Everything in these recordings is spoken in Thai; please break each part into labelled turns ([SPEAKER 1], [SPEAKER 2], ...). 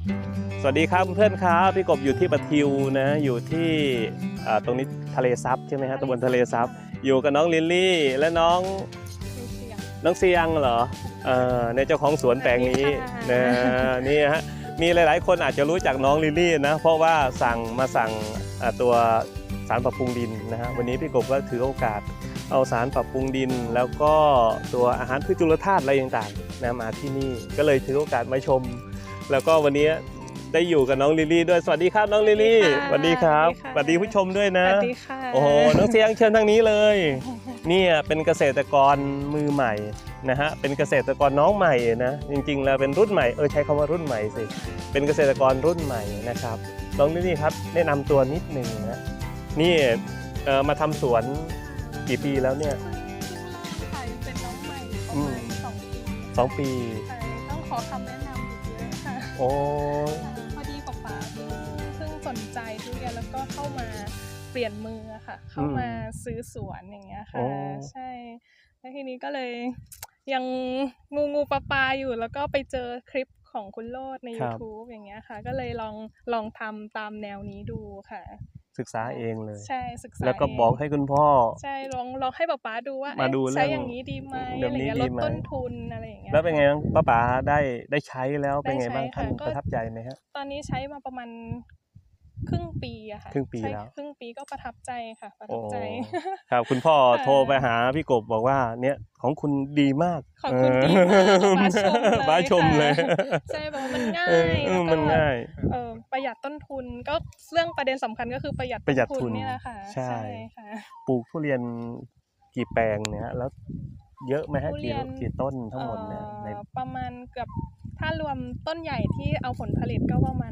[SPEAKER 1] สวัสดีครับเพื่อนครับพี่กบอยู่ที่ปะทิวนะอยู่ที่ตรงนี้ทะเลซับใช่ไหมฮะตำบลทะเลซับอยู่กับน้องลิลลี่และน้องเซียงเหรอในเจ้าของสวนแปลงนี้นะนี่ฮะมีหลายๆคนอาจจะรู้จักน้องลิลลี่นะเพราะว่าสั่งตัวสารปรับปรุงดินนะฮะวันนี้พี่กบก็ถือโอกาสเอาสารปรับปรุงดินแล้วก็ตัวอาหารพืชจุลธาตุอะไรต่างๆนะมาที่นี่ก็เลยถือโอกาสมาชมแล้วก็วันนี้ได้อยู่กับน้องลิลลี่ด้วยสวัสดีครับน้องลิลลี่สวัสดีครับสวัสดีผู้ชมด้วยนะ
[SPEAKER 2] สวัสดีค่ะ
[SPEAKER 1] โอ้โหน้องเสียงเชิญทางนี้เลยนี่เป็นเกษตรกรมือใหม่นะฮะเป็นเกษตรกรน้องใหม่นะจริงๆแล้วเป็นรุ่นใหม่ใช้คำว่ารุ่นใหม่สิเป็นเกษตรกรรุ่นใหม่นะครับน้องลิลลี่ครับแนะนำตัวนิดหนึ่งนะนี่มาทำสวนกี่ปีแล้วเนี่ย
[SPEAKER 2] เป็นน้องใหม่ประมาณ2 ปี ต้องขอคำแนะนำอีกเยอะค่ะ
[SPEAKER 1] โอ้
[SPEAKER 2] พอดีป๋าเพิ่งสนใจทุเรียนแล้วก็เข้ามาเปลี่ยนมือค่ะเข้ามาซื้อสวนอย่างเงี้ยค่ะใช่แล้วทีนี้ก็เลยยังงูปลาอยู่แล้วก็ไปเจอคลิปของคุณโลดใน YouTube อย่างเงี้ยค่ะก็เลยลองทำตามแนวนี้ดูค่ะ
[SPEAKER 1] ศึกษาเองเลย
[SPEAKER 2] ใช่ศึกษา
[SPEAKER 1] แล้วก็บอกให้คุณพ่อ
[SPEAKER 2] ใช่ลองให้ป๊าดูว่าใช้อย่างนี้ดีไหมอะไรเงี้ยลดต้นทุนอะไรอย่างเงี้ย
[SPEAKER 1] แล้วเป็นไงบ้างป้าได้ใช้แล้วเป็นไงบ้างท่านประทับใจไหมฮะ
[SPEAKER 2] ตอนนี้ใช้มาประมาณครึ่งปีอะค่ะ
[SPEAKER 1] ครึ่งปีแล้ว
[SPEAKER 2] ครึ่งปีก็ประทับใจค่ะประทับใจ
[SPEAKER 1] ครับคุณพ่อโทรไปหาพี่กบบอกว่าเนี่ยของคุณดีมาก
[SPEAKER 2] ของคุณดีมาก
[SPEAKER 1] บ้าชมเลย
[SPEAKER 2] ใช่บอกว่ามันง่าย
[SPEAKER 1] มันง่าย
[SPEAKER 2] ประหยัดต้นทุนก็เรื่องประเด็นสำคัญก็คือประหยัดต้นทุนนี่แหละค่ะ
[SPEAKER 1] ใช่ค่ะปลูกทุเรียนกี่แปลงเนี่ยแล้วเยอะไหมฮะกี่ต้นทั้งหมดเนี่ย
[SPEAKER 2] ประมาณเกือบถ้ารวมต้นใหญ่ที่เอาผลผลิตก็ประมาณ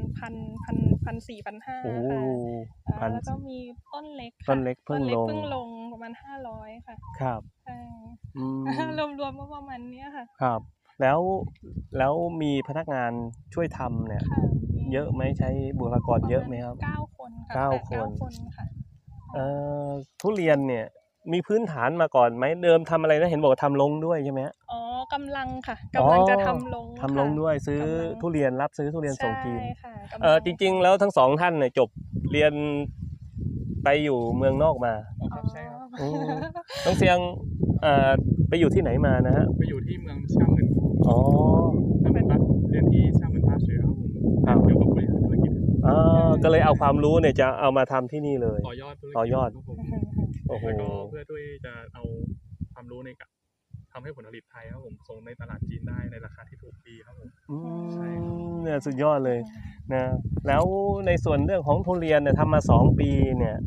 [SPEAKER 2] 1,400-1,500ค่ะแล้วก็มีต้นเล็ก
[SPEAKER 1] เพิ่ง
[SPEAKER 2] ลงประมาณ500ค่ะ
[SPEAKER 1] ครับ
[SPEAKER 2] รวมก็ประมาณนี้ค่ะ
[SPEAKER 1] ครับแล้วมีพนักงานช่วยทำเนี่ยเยอะไหมใช้บุคลากรเยอะไหมครับ
[SPEAKER 2] 9 คนค่ะ9 คนค่ะ
[SPEAKER 1] ทุเรียนเนี่ยมีพื้นฐานมาก่อนไหมเดิมทำอะไรนะเห็นบอกทำลงด้วยใช่ไหม
[SPEAKER 2] อ๋อกำลังค่ะกำลังจะทำล
[SPEAKER 1] งด้วยซื้อทุเรียนรับซื้อทุเรียนส่งจีนจริงๆแล้วทั้งสองท่านเนี่ยจบเรียนไปอยู่เมืองนอกมา
[SPEAKER 3] ใช่ครับ
[SPEAKER 1] น้องเสียงไปอยู่ที่ไหนมานะฮะ
[SPEAKER 3] ไปอยู่ที่เมืองช่างเหมือนเรียนที่ช่างเหมือนท่าเรือครับผมเกี่ยวกับบริหารธุรกิจ
[SPEAKER 1] ก็เลยเอาความรู้เนี่ยจะเอามาทำที่นี่เลย
[SPEAKER 3] ต่อยอด
[SPEAKER 1] โอ้โห
[SPEAKER 3] แล้วก็เพื่อด้วยจะเอาความรู้ในการทำให้ผลผลิตไทยครับผมส่งในตลาดจีนได้ในราคาที่ถูกดีครับผม
[SPEAKER 1] ใช่เนี่ยสุดยอดเลยนะแล้วในส่วนเรื่องของทุเรียนเนี่ยทำมา2 ปีเนี่ย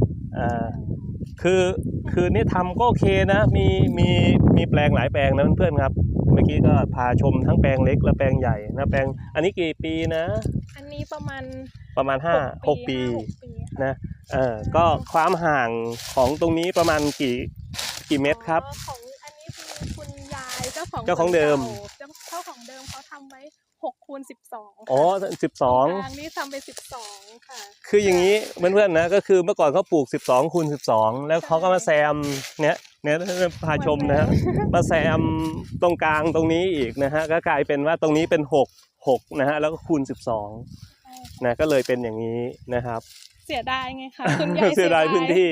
[SPEAKER 1] คือนี่ทำก็โอเคนะมีแปลงหลายแปลงนะเพื่อนๆครับเมื่อกี้ก็พาชมทั้งแปลงเล็กและแปลงใหญ่นะแปลงอันนี้กี่ปีนะ
[SPEAKER 2] อันนี้ประมาณ
[SPEAKER 1] 5-6 ปีนะก็ความห่างของตรงนี้ประมาณกี่เมตรครับ
[SPEAKER 2] ของอันนี้คือคุณยายเจ้าของ
[SPEAKER 1] เดิม
[SPEAKER 2] เขาทำไว้6x12
[SPEAKER 1] อ๋อ12
[SPEAKER 2] นี่ทำไป12ค่ะ
[SPEAKER 1] คืออย่างนี้เพื่อนๆนะก็คือเมื่อก่อนเขาปลูก12x12แล้วเขาก็มาแซมเนี่ยพาชมนะฮะมาแซมตรงกลางตรงนี้อีกนะฮะก็กลายเป็นว่าตรงนี้เป็น6นะฮะแล้วก็คูณ12นะก็เลยเป็นอย่างนี้นะครับ
[SPEAKER 2] เสียดายไงคะคุณยาย
[SPEAKER 1] เสียดายพื้นที่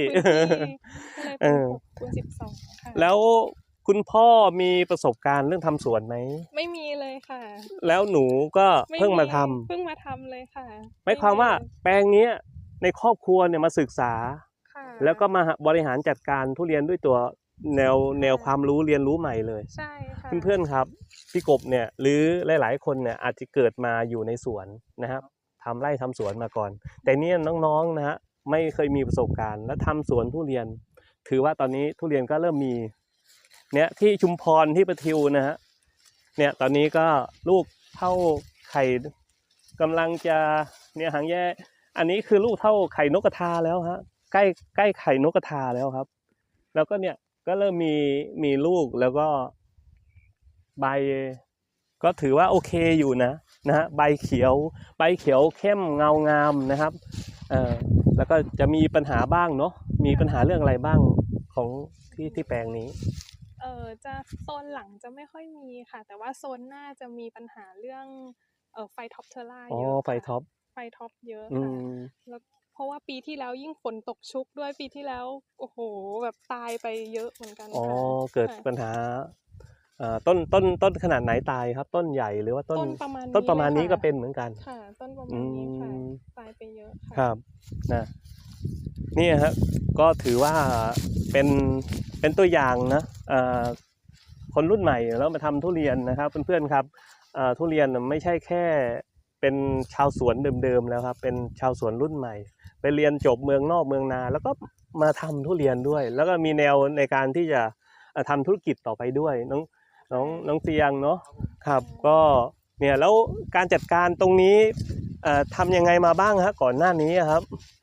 [SPEAKER 2] 6x12ค่ะ
[SPEAKER 1] แล้วคุณพ่อมีประสบการณ์เรื่องทำสวนไหม
[SPEAKER 2] ไม่มีเลยค่ะ
[SPEAKER 1] แล้วหนูก็เพิ่งมาท
[SPEAKER 2] ำเลยค่ะ
[SPEAKER 1] หมายความว่าแปลงนี้ในครอบครัวเนี่ยมาศึกษาแล้วก็มาบริหารจัดการทุเรียนด้วยตัวแนวความรู้เรียนรู้ใหม่เลย
[SPEAKER 2] ใช่ค่ะ
[SPEAKER 1] เพื่อนๆครับพี่กบเนี่ยหรือหลายๆคนเนี่ยอาจจะเกิดมาอยู่ในสวนนะครับทำไร่ทำสวนมาก่อนแต่เนี่ยน้องๆนะฮะไม่เคยมีประสบการณ์และทำสวนทุเรียนถือว่าตอนนี้ทุเรียนก็เริ่มมีเนี่ยที่ชุมพรที่ประทิวนะฮะเนี่ยตอนนี้ก็ลูกเท่าไข่กำลังจะเนี่ยหางแย่อันนี้คือลูกเท่าไข่นกกระทาแล้วฮะใกล้ไข่นกกระทาแล้วครับแล้วก็เนี่ยก็เริ่มมีลูกแล้วก็ใบก็ถือว่าโอเคอยู่นะฮะใบเขียวเข้มเงางามนะครับแล้วก็จะมีปัญหาบ้างเนาะมีปัญหาเรื่องอะไรบ้างของที่แปลงนี้
[SPEAKER 2] จะโซนหลังจะไม่ค่อยมีค่ะแต่ว่าโซนหน้าจะมีปัญหาเรื่องไฟท็อปเทอร่า
[SPEAKER 1] อ๋อ
[SPEAKER 2] เยอะ
[SPEAKER 1] ไฟท็อป
[SPEAKER 2] ไฟท็อปเยอะ
[SPEAKER 1] อื
[SPEAKER 2] ค่ะ
[SPEAKER 1] ม
[SPEAKER 2] แล้วเพราะว่าปีที่แล้วยิ่งฝนตกชุกด้วยปีที่แล้วโอ้โหแบบตายไปเยอะเหมือนกัน
[SPEAKER 1] อ๋อ
[SPEAKER 2] ค่ะ
[SPEAKER 1] เกิด
[SPEAKER 2] ค่ะ
[SPEAKER 1] ปัญหาต้นขนาดไหนตายครับ ต้นใหญ่หรือว่าต้น
[SPEAKER 2] ต้นประมาณ
[SPEAKER 1] ต้นประมาณนี้
[SPEAKER 2] เลย
[SPEAKER 1] ก็
[SPEAKER 2] ค่ะ
[SPEAKER 1] เป็นเหมือนกัน
[SPEAKER 2] ค่ะ ต้นประ
[SPEAKER 1] อื
[SPEAKER 2] มาณนี้ค่ะ
[SPEAKER 1] ม
[SPEAKER 2] ตายไปเยอะค่ะ
[SPEAKER 1] ครับนะนี่ครับก็ถือว่าเป็นตัวอย่างนะคนรุ่นใหม่แล้วมาทำทุเรียนนะครับเพื่อนๆครับทุเรียนไม่ใช่แค่เป็นชาวสวนเดิมๆแล้วครับเป็นชาวสวนรุ่นใหม่ไปเรียนจบเมืองนอกเมืองนาแล้วก็มาทำทุเรียนด้วย แล้วก็มีแนวในการที่จะทำธุรกิจต่อไปด้วยน้องเตียงเนาะครับก็เนี่ยแล้วการจัดการตรงนี้ทำยังไงมาบ้างฮะก่อนหน้านี้ครับ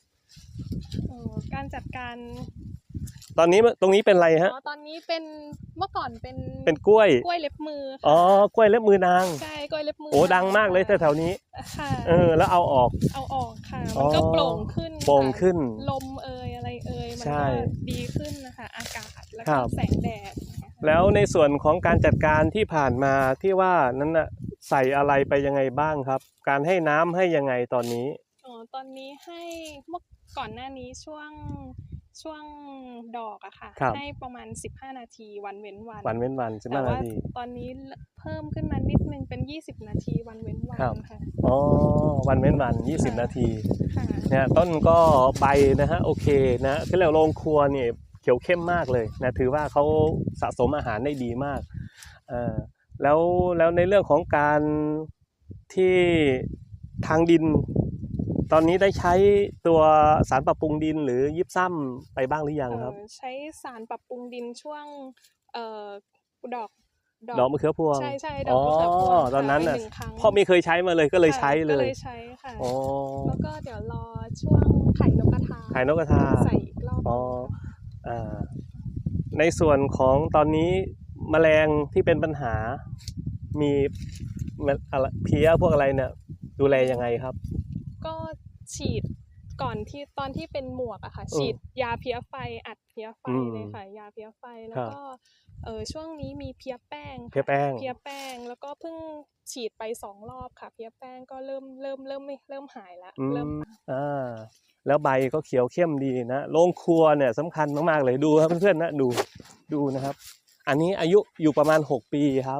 [SPEAKER 2] การจัดการ
[SPEAKER 1] ตอนนี้ตรงนี้เป็นอะไรฮะ
[SPEAKER 2] ตอนนี้เป็นเมื่อก่อนเป็น
[SPEAKER 1] เป็นกล้วย
[SPEAKER 2] กล้วยเล็บมือค่ะ
[SPEAKER 1] อ๋อกล้วยเล็บมือนาง
[SPEAKER 2] ใช่กล้วยเล็บมือ
[SPEAKER 1] โอ้ดังมากเลยแถวๆนี้
[SPEAKER 2] ค่ะ
[SPEAKER 1] แล้วเอาออก
[SPEAKER 2] เอาออกค่ะ
[SPEAKER 1] อ๋
[SPEAKER 2] มัน
[SPEAKER 1] อ
[SPEAKER 2] ก็โปร่งขึ้น
[SPEAKER 1] โปร่ง
[SPEAKER 2] ค่ะ
[SPEAKER 1] ขึ้น
[SPEAKER 2] ลมอะไรมัน
[SPEAKER 1] ใช่
[SPEAKER 2] ก็ดีขึ้นนะคะอากาศแล้ว
[SPEAKER 1] ครั
[SPEAKER 2] ก็
[SPEAKER 1] บ
[SPEAKER 2] แสงแดดนะคะ
[SPEAKER 1] แล้วในส่วนของการจัดการที่ผ่านมาที่ว่านั้นน่ะใส่อะไรไปยังไงบ้างครับ การให้น้ำให้ยังไงตอนนี้
[SPEAKER 2] ตอนนี้ให้เมื่อก่อนหน้านี้ช่วงดอกอะค่ะ
[SPEAKER 1] ครับ
[SPEAKER 2] ให้ประมาณ15นาทีวันเว้นวัน
[SPEAKER 1] วันเว้นวัน15
[SPEAKER 2] แต่
[SPEAKER 1] นา
[SPEAKER 2] ว่า
[SPEAKER 1] ที
[SPEAKER 2] ตอนนี้เพิ่มขึ้นมานิดนึงเป็น20นาทีวันเว้นวัน
[SPEAKER 1] ครับ
[SPEAKER 2] ค่ะ
[SPEAKER 1] อ๋อวันเว้นวัน20 นาที
[SPEAKER 2] ค่ะ
[SPEAKER 1] เนี่ยต้นก็ใบนะฮะโอเคนะคือเราโรงครัวเนี่ยเขียวเข้มมากเลยนะถือว่าเขาสะสมอาหารได้ดีมากแล้วในเรื่องของการที่ทางดิน ตอนนี้ได้ใช้ตัวสารปรับปรุงดินหรือยิบซ้ำไปบ้างหรือยังครับ
[SPEAKER 2] ใช้สารปรับปรุงดินช่วงดอก
[SPEAKER 1] ดอกมะเขือพวง
[SPEAKER 2] ใช่ดอกมะเขือพวง
[SPEAKER 1] ตอนนั้น
[SPEAKER 2] ค่ะ
[SPEAKER 1] น่ะ
[SPEAKER 2] ไป1 ครั้ง
[SPEAKER 1] พ่อไม่เคยใช้มาเลยก็เลย
[SPEAKER 2] ค่ะ
[SPEAKER 1] ใช้เล
[SPEAKER 2] ก็เลย ยใช้ค่ะ
[SPEAKER 1] อ๋อ
[SPEAKER 2] แล้วก็เดี๋ยวรอช่วงไข่นกกระทา
[SPEAKER 1] ไข่นกกระทา
[SPEAKER 2] ใส่อีกรอบหนึ่ง
[SPEAKER 1] อ๋อ
[SPEAKER 2] ค่ะ
[SPEAKER 1] ในส่วนของตอนนี้แมลงที่เป็นปัญหา มีเพี้ยพวกอะไรเนี่ยดูแลยังไงครับ
[SPEAKER 2] ก็ฉีดก่อนที่ตอนที่เป็นหมวกอะค่ะ ฉีดยาเพี้ยไฟอัดเพี้ยไฟเลยค่ะยาเพี้ยไฟแล้วก็ช่วงนี้มีเพี้ยแป้งค่ะ
[SPEAKER 1] เพี้ยแป้ง
[SPEAKER 2] เพี้ยแป้งแล้วก็เพิ่งฉีดไป2 รอบค่ะ เพี้ยแป้งก็เริ่มหายแล้วเริ่ม
[SPEAKER 1] แล้วใบก็เขียวเข้มดีนะโรงครัวเนี่ยสำคัญมากๆเลยดูครับเพื่อนๆนะดูนะครับ อันนี้อายุอยู่ประมาณ6 ปีครับ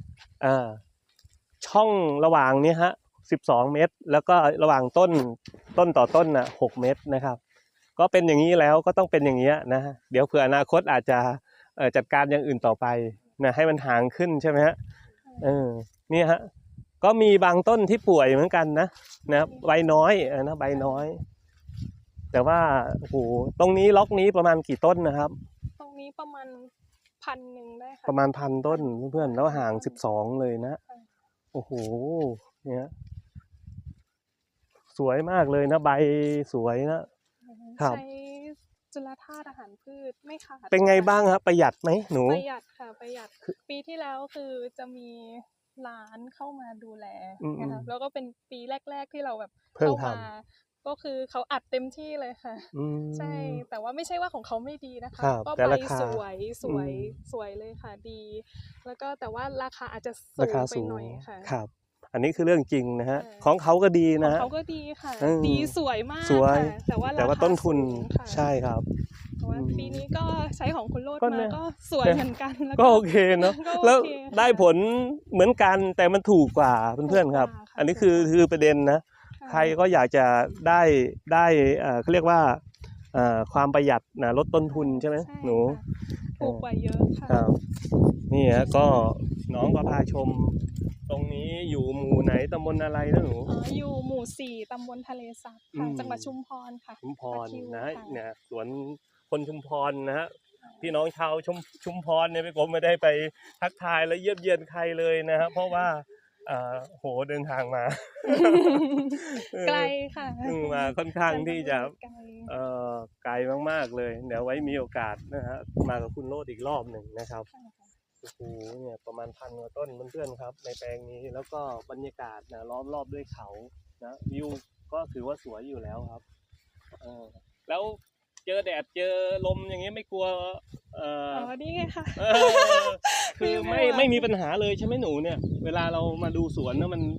[SPEAKER 1] ช่องระหว่างนี้ฮะ12 เมตร แล้วก็ระหว่างต้นต่อต้นน่ะ6 เมตรนะครับ ก็เป็นอย่างนี้แล้วก็ต้องเป็นอย่างนี้นะเดี๋ยวเผื่ออนาคตอาจจะจัดการอย่างอื่นต่อไปนะให้มันห่างขึ้นใช่ไหมฮะนี่ฮะก็มีบางต้นที่ป่วยเหมือนกันนะใบน้อยนะใบน้อย แต่ว่าโอ้โหตรงนี้ล็อกนี้ประมาณกี่ต้นนะครับ
[SPEAKER 2] ตรงนี้ประมาณ1,000ได้ค่ะ
[SPEAKER 1] ประมาณ1,000 ต้นเพื่อนๆแล้วห่าง12เลยนะโอ้โหเนี่ยสวยมากเลยนะใบสวยนะครับ
[SPEAKER 2] ใช้จุลธาตุอาหารพืชไม่ขาด
[SPEAKER 1] เป็นไงบ้างครับประหยัดไหมหนู
[SPEAKER 2] ประหยัดค่ะประหยัดปีที่แล้วคือจะมีร้านเข้ามาดูแลนะคะแล้วก็เป็นปีแรกๆที่เราแบบ
[SPEAKER 1] เพิ่ง
[SPEAKER 2] เข้า
[SPEAKER 1] ท
[SPEAKER 2] มาก็คือเขาอัดเต็มที่เลยค่ะ
[SPEAKER 1] ำ
[SPEAKER 2] ใช่แต่ว่าไม่ใช่ว่าของเขาไม่ดีนะคะ
[SPEAKER 1] ครับ
[SPEAKER 2] ก็
[SPEAKER 1] แต่
[SPEAKER 2] ใบ
[SPEAKER 1] ราคา
[SPEAKER 2] สวยเลยค่ะดี แล้วก็แต่ว่าราคาอาจจะสู
[SPEAKER 1] ราง คา
[SPEAKER 2] ไป
[SPEAKER 1] สูง
[SPEAKER 2] หน่อยค่ะ
[SPEAKER 1] ครับ อันนี้คือเรื่องจริงนะฮะ
[SPEAKER 2] ใช่
[SPEAKER 1] ของเขาก็ดี
[SPEAKER 2] ของ
[SPEAKER 1] นะฮะ
[SPEAKER 2] เขาก็ดีค่ะ
[SPEAKER 1] อืม
[SPEAKER 2] ดีสวยมาก
[SPEAKER 1] สวย
[SPEAKER 2] ค่ะแต่ว่า
[SPEAKER 1] แต่ว่า
[SPEAKER 2] ราคา
[SPEAKER 1] ต้นทุน
[SPEAKER 2] สูงค่ะ
[SPEAKER 1] ใช่ครับ
[SPEAKER 2] แต่ว่าปีนี้ก็ใช้ของคุณโรจน์
[SPEAKER 1] ก็เนี่
[SPEAKER 2] มาย ก็สวยเหมือนกันแล้ว
[SPEAKER 1] ก็โอเคเนาะ
[SPEAKER 2] ก็โอเค
[SPEAKER 1] แล้ว
[SPEAKER 2] ค่ะ
[SPEAKER 1] ได้ผลเหมือนกันแต่มันถูกกว่าเพื่อนๆครับ
[SPEAKER 2] ถูกกว่าค่ะ
[SPEAKER 1] อันนี้คือประเด็นนะ
[SPEAKER 2] ะ
[SPEAKER 1] ใครก็อยากจะได้เขาเรียกว่าความประหยัดนะลดต้นทุนใช่ไหม
[SPEAKER 2] ใช่
[SPEAKER 1] หนู
[SPEAKER 2] ค่ะถูกกว่าเยอะค่ะ
[SPEAKER 1] ครับนี่ฮะก็น้องก็พาชม ตรงนี้อยู่หมู่ไหนตำบลอะไรนะหนู
[SPEAKER 2] อยู่หมู่ 4 ตำบลทะเลซับค่ะ
[SPEAKER 1] อืม
[SPEAKER 2] จังหวัดชุมพรค่ะ
[SPEAKER 1] ชุมพร
[SPEAKER 2] ตะคริว
[SPEAKER 1] นะ
[SPEAKER 2] ค่ะ
[SPEAKER 1] เนี่ยสวนคนชุมพรนะฮะพี่น้องชาวชุมพรเนี่ยพี่กรมไม่ได้ไปทักทายและเยี่ยมเยียนใครเลยนะฮะเพราะว่าโหเดินทางมา
[SPEAKER 2] ไกลค่ะ
[SPEAKER 1] มาค่อนข้างที่จะ
[SPEAKER 2] ไกล
[SPEAKER 1] ไกลมากๆเลยเดี๋ยวไว้มีโอกาสนะฮะมากับคุณโรดอีกรอบหนึ่งนะครับ
[SPEAKER 2] ค่ะ
[SPEAKER 1] โอ้โหเนี่ยประมาณ1,000 กว่าต้นเพื่อนๆครับในแปลงนี้แล้วก็บรรยากาศนะล้อมรอบด้วยเขานะวิวก็ถือว่าสวยอยู่แล้วครับแล้วเจอแดดเจอลมอย่างเงี้ยไม่กลัว
[SPEAKER 2] นี่ไงค่ะ
[SPEAKER 1] คือไม่มีปัญหาเลยใช่ไหมหนูเนี่ย เวลาเรามาดูสวนนะมัน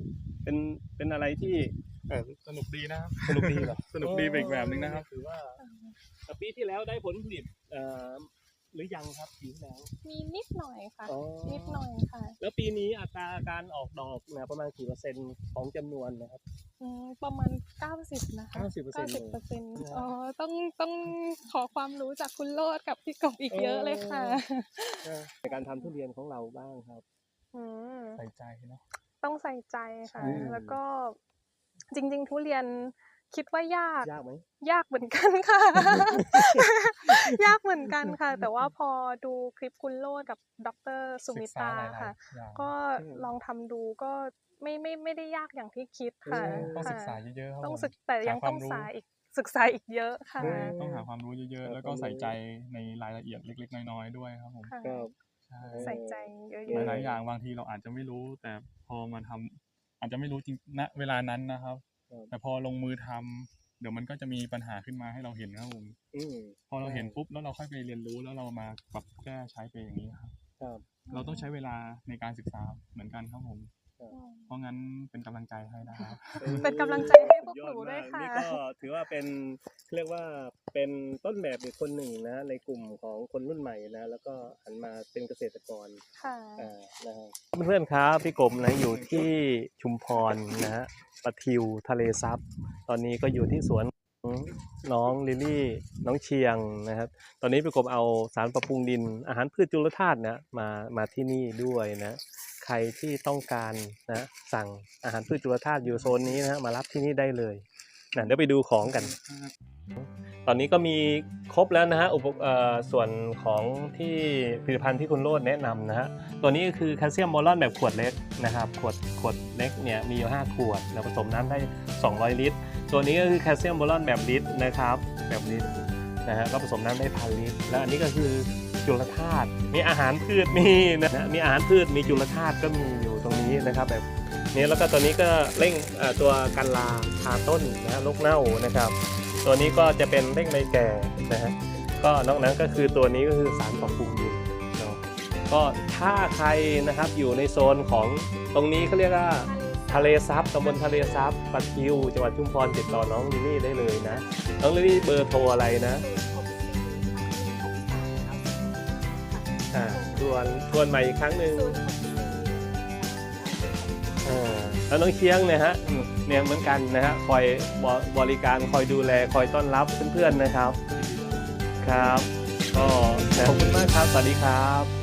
[SPEAKER 1] เป็นอะไรที่
[SPEAKER 3] สนุกดีนะครับ
[SPEAKER 1] สนุกดีเหรอ
[SPEAKER 3] สนุกดีไปอีกแบบนึงนะครับ
[SPEAKER 1] ถือว่าแต่ปีที่แล้วได้ผลผลิตหรือยังครับปีที่แล้ว
[SPEAKER 2] มีนิดหน่อยค่ะ
[SPEAKER 1] อ๋อ
[SPEAKER 2] นิดหน่อยค่ะ
[SPEAKER 1] แล้วปีนี้อัตราการออกดอกเนี่ยประมาณกี่เปอร์เซ็นต์ของจำนวนนะครับ
[SPEAKER 2] ประมาณ 90 นะคะ
[SPEAKER 1] 90%
[SPEAKER 2] 90%อ๋อต้องขอความรู้จากคุณโลดกับพี่กบอีกเยอะเลยค่ะ
[SPEAKER 1] ในการทำทุเรียนของเราบ้างครับ
[SPEAKER 2] อืม
[SPEAKER 3] ใส่ใจเนาะ
[SPEAKER 2] ต้องใส่ใจค่ะ
[SPEAKER 1] อืม
[SPEAKER 2] แล้วก็จริงๆ ทุเรียนคิดว่ายาก
[SPEAKER 1] ยากไหม
[SPEAKER 2] ยากเหมือนกันค่ะ ยากเหมือนกันค่ะ แต่ว่าพอดูคลิปคุณโลดกับดร. สุมิตาค่ะ ก็ลองทำดูก็ไม่ได้ยากอย่างที่คิดค่ะ
[SPEAKER 3] ต้องศึกษา
[SPEAKER 2] ค่ะ
[SPEAKER 3] เยอะๆครับ
[SPEAKER 2] ต้อง
[SPEAKER 3] ผม
[SPEAKER 2] แต่ยัง
[SPEAKER 3] หาควา
[SPEAKER 2] ต้อ
[SPEAKER 3] ม
[SPEAKER 2] ง
[SPEAKER 3] รู้
[SPEAKER 2] ศึกษาอีกเยอะค่ะ
[SPEAKER 3] ต้องหาความรู้เยอะๆ แล้วก็ใส่ใจในรายละเอียดเล็กๆ น้อยๆ ด้วยครับผม
[SPEAKER 2] ค่ะ
[SPEAKER 1] ครับ
[SPEAKER 3] ใช่
[SPEAKER 2] ใส่ใจเยอะ
[SPEAKER 3] หลายๆ อย่างบางทีเราอาจจะไม่รู้ แต่พอมาทำอาจจะไม่รู้จริงณเวลานั้นนะครับ
[SPEAKER 1] ครับ
[SPEAKER 3] แต่พอลงมือทำเดี๋ยวมันก็จะมีปัญหาขึ้นมาให้เราเห็นครับผม
[SPEAKER 1] อืม
[SPEAKER 3] พอเราเห็นปุ๊บแล้วเราค่อยไปเรียนรู้แล้วเรามาปรับแก้ใช้ไปอย่างนี้ครับ
[SPEAKER 1] ครับ
[SPEAKER 3] เราต้องใช้เวลาในการศึกษาเหมือนกันครับผม
[SPEAKER 2] ๆ
[SPEAKER 3] เพราะงั้นเป็นกำลังใจให้นะครับ
[SPEAKER 2] เป็นกำลังใจให้พวกหนูด้วยค่ะ
[SPEAKER 1] นี่ก็ถือว่าเป็นเรียกว่าเป็นต้นแบบอีกคนหนึ่งนะในกลุ่มของคนรุ่นใหม่นะแล้วก็หันมาเป็นเกษตรกร
[SPEAKER 2] ค่ะ
[SPEAKER 1] นะครับเพื่อนๆครับพี่กบนะอยู่ที่ชุมพรนะฮะปะทิวทะเลซับตอนนี้ก็อยู่ที่สวนของน้องลิลลี่น้องเชียงนะครับ ตอนนี้พี่กบเอาสารปรับปรุงดินอาหารพืชจุลธาตุนะมาที่นี่ด้วยนะใครที่ต้องการนะสั่งอาหารพืชจุลธาตุอยู่โซนนี้นะฮะมารับที่นี่ได้เลยนะเดี๋ยวไปดูของกัน ตอนนี้ก็มีครบแล้วนะฮะส่วนของที่ผลิตภัณฑ์ที่คุณโรจน์แนะนำนะฮะตัวนี้ก็คือแคลเซียมบอลอนแบบขวดเล็กนะครับขวดเล็กเนี่ยมีอยู่5ขวดแล้วผสมน้ำได้200 ลิตรตัวนี้ก็คือแคลเซียมบอลอนแบบลิตรนะครับแบบลิตรนะฮะก็ผสมน้ำได้1,000 ลิตรแล้วอันนี้ก็คือจุลธาตุมีอาหารพืชมีนะมีอาหารพืชมีจุลธาตุก็มีอยู่ตรงนี้นะครับแบบนี้แล้วก็ตัวนี้ก็เร่งตัวกันราทาต้นนะฮะโรคเน่านะครับตัวนี้ก็จะเป็นเร่งใบแก่นะฮะก็นอกนั้นก็คือตัวนี้ก็คือสารปรับปรุงดินเนาะก็ถ้าใครนะครับอยู่ในโซนของตรงนี้เขาเรียกว่าทะเลซับตำบลทะเลซับปะทิวจังหวัดชุมพรติดต่อน้องลิลลี่ได้เลยนะน้องลิลลี่เบอร์โทรอะไรนะทวนใหม่อีกครั้งหนึ่งแล้วน้องเชียงเนี่ยฮะเนี่ยเหมือนกันนะฮะคอยบริการคอยดูแลคอยต้อนรับเพื่อนๆนะครับครับก็ขอบคุณมากครับสวัสดีครับ